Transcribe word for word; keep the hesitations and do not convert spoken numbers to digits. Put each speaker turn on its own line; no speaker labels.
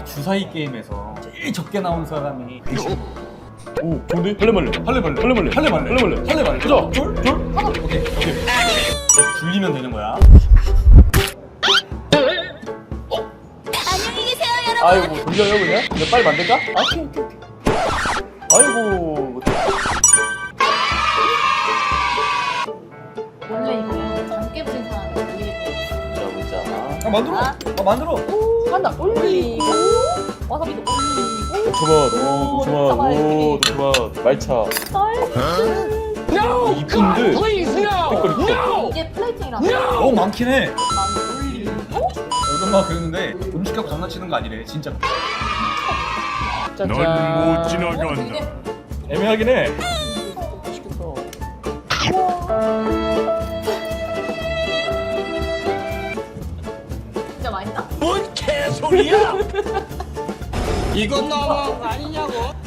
우리 주사위 게임에서 제일 적게 나온 사람이
오 좋은데? 할래말래 할래말래 할래말래 할래말래 할래말래 할래말래 가자 둘? 둘? 하나 오케이 오케이
이제 굴리면 되는 거야.
안녕히 계세요, 여러분.
아이고 돌려요 그냥? 그냥 빨리 만들까? 아, 오케이 오케이 오케이 아이고
원래 이거 장깨 부린 사람이 올리겠다.
자 보자
아 만들어.
아.
아 만들어.
한다 올리고 와사비도 올리고
도토맛 오 도토맛 오 도토맛 말차 이쁜데 색깔이 이쁘다
이게 플레이팅이라서
너무 많긴 해.
나는 올리고
얼마 그랬는데 음식 갖고 장난치는 거 아니래 진짜.
짠짠
넌 못
어,
지나간다.
되게
애매하긴 해
진짜 맛있다.
뭔 개소리야? 이건 너무한 거 아니냐고?